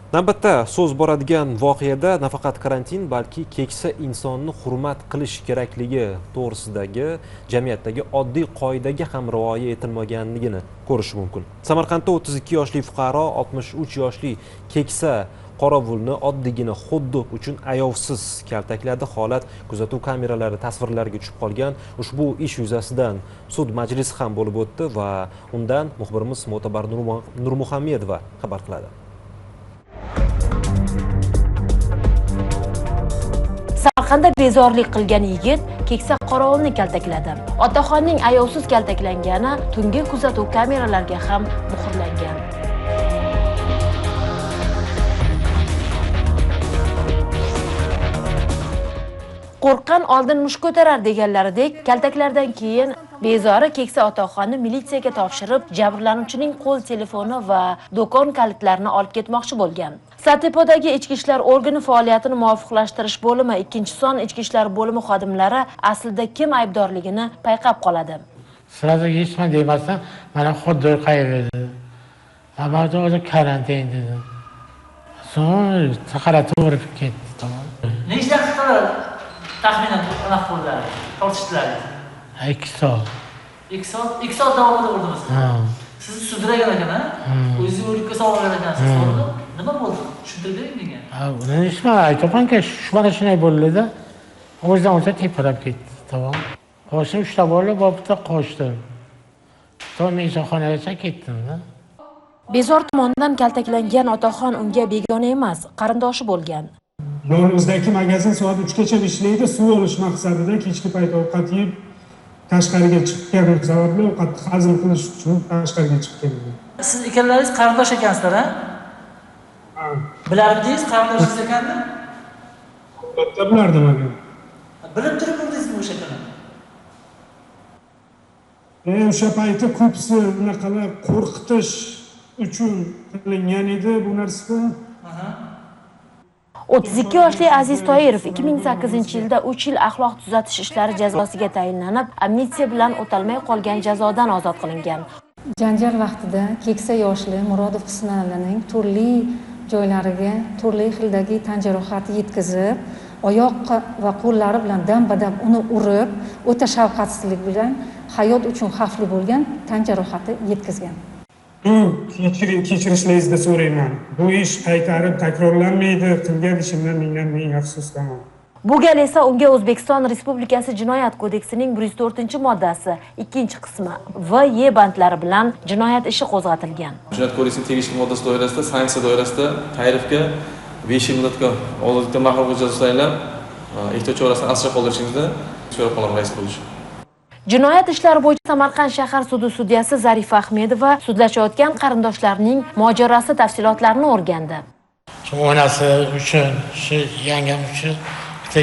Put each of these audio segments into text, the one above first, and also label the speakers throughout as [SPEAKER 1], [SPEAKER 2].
[SPEAKER 1] Navbatda so'z boradigan voqeada nafaqat karantin, balki keksa insonni hurmat qilish kerakligi to'g'risidagi jamiyatdagi oddiy qoidaga ham rioya etilmaganligini ko'rish mumkin. Samarqandda 32 yoshli fuqaro 63 yoshli keksa qorovulni oddiygina xuddi uchun ayovsiz kaltakladi. Holat kuzatuv kameralari tasvirlariga tushib qolgan. Ushbu ish yuzasidan sud majlisi ham bo'lib o'tdi va undan muxbirimiz Mo'tabar Nurmuhammedova xabar qiladi.
[SPEAKER 2] Samarqandda bezorlik qilgan yigit keksa qorovulni kaltakladi. Otaxonning ayovsiz kaltaklangani tungi kuzatuv kameralariga ham muhrlangan. Qo'rqqan oldin mush ko'tarar deganlaridek, kaltaklardan keyin bezori keksa otaxonni militsiyaga topshirib, jabrlanuvchining qo'l telefoni va do'kon kalitlarini olib ketmoqchi bo'lgan. Satepodagi ichki ishlar organi faoliyatini muvofiqlashtirish bo'limi 2-son ichki ishlar bo'limi xodimlari aslida kim aybdorligini payqab qoladi.
[SPEAKER 3] Sırada geçme deymezsen, bana xuddi kaybedi. Ama o karantin dedi. Sonra sakaratı vurup gitti, tamam.
[SPEAKER 4] Ne işler tutarlar? Tahminen anaq bo'ldilar, tortishdilar.
[SPEAKER 3] 2 saat.
[SPEAKER 4] 2 saat davomida urdingiz. Sizni sudragan ekan, ha? O'zingiz o'likka solgan ekansiz, to'g'rimi? Nima bo'ldi? Tushuntirib bering menga.
[SPEAKER 3] Buni nima aytamanki, mana shunday bo'ldi-da. O'zidan o'zi tepalab ketdi, tamam. Qo'shim 3 ta bola bitta qo'shdim. So'ng mehmonxonagacha ketdim-da.
[SPEAKER 2] Bezor tomonidan kaltaklangan otaxon unga begona emas, qarindoshi bo'lgan.
[SPEAKER 5] Yonimizdagi magazin soat 3 gacha ishlaydi. Suv olish maqsadida kechki payt ovqat yeb tashqariga chiqqan sababli ovqatni hazm qilish uchun tashqariga chiqqan.
[SPEAKER 4] Siz ikkalalaringiz qarindosh ekansizlar, ha? Bilardingiz qarindoshingiz ekanmi?
[SPEAKER 5] Albatta bilardim aka.
[SPEAKER 4] Bilib turib urdingizmi o'sha kuni?
[SPEAKER 5] O'sha payti ko'psi bunaqalar qo'rqitish uchun qilingan edi bu narsa.
[SPEAKER 2] 32 yoshli Aziz Toirov 2008-yilda 3 yil axloq tuzatish ishlari jazosiga tayinlanib, amnistiya bilan o'talmay qolgan jazodan ozod qilingan.
[SPEAKER 6] Janjal vaqtida keksa yoshli Murodov Husnalining turli joylariga turli xildagi tan jarohati yetkazib, oyoq va qo'llari bilan dam-badam uni urib, o'ta shafqatsizlik bilan hayot uchun xavfli bo'lgan tan jarohati yetkazgan.
[SPEAKER 5] Kechirishlaringizni so'rayman. Bu ish qaytarib takrorlanmaydi. Qilgan ishimdan ming afsusdaman.
[SPEAKER 2] Bu gal esa unga O'zbekiston Respublikasi Jinoyat kodeksining 104-moddasi 2-qismi va Y bandlari bilan jinoyat ishi qo'zg'atilgan.
[SPEAKER 7] Jinoyat kodeksining tegishli moddasi doirasida, sanksiya doirasida Toirovga 5 yil muddatga ozodlikdan mahrum qilish jazosi tayinlab, ehtiyot chorasini asrab qoldirishingizni so'rab qolaman rais bo'lish.
[SPEAKER 2] Jinoyat ishlari bo'yicha Samarqand shahar sudi sudyasi Zarifa Ahmedova sudlashayotgan qarindoshlarning mojarosi tafsilotlarini o'rgandi.
[SPEAKER 3] Shu onasi uchun, shu yangam uchun bitta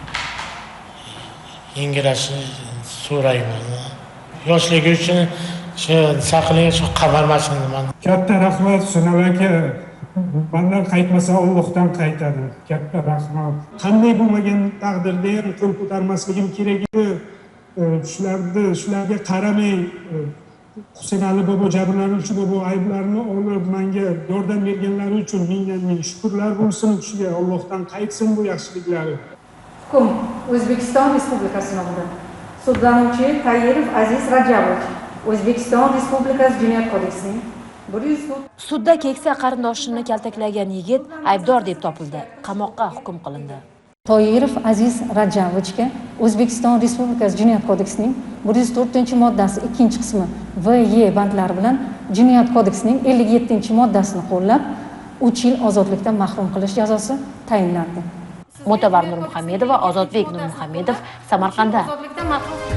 [SPEAKER 3] yengilashni so'rayman. Yoshligi uchun shu saqlagan shu qamarmasini man.
[SPEAKER 5] Katta rahmat Sunal aka. Bundan qaytmasa Allohdan qaytadi. Katta rahmat. Qanday bo'lmagan taqdirda ham qo'l ko'tarmasligim kerak edi. Shularga qaramay Husanali bobo jabrlanuvchi bobo ayblarini olib menga yordam berganlari uchun ming shukrlar bo'lsin kishiga. Allohdan qaytsin bu yaxshiliklari.
[SPEAKER 6] Hukm O'zbekiston Respublikasi nomidan sudlanuvchi Toirov Aziz Rajabovich O'zbekiston Respublikasi Jinoyat kodeksining 104.
[SPEAKER 2] Sudda keksa qarindoshini kaltaklagan yigit aybdor deb topildi. Qamoqqa hukm qilindi.
[SPEAKER 6] Toirov Aziz Rajabovichga O'zbekiston Respublikasi Jinoyat kodeksining 104-moddasi 2-qismi va Y bandlari bilan Jinoyat kodeksining 57-moddasini qo'llab 3 yil ozodlikdan mahrum qilish jazosi tayinlandi.
[SPEAKER 2] Mo'tabar Nurmuhammedova, Ozodbek Nurmuhammedov, Samarqandda.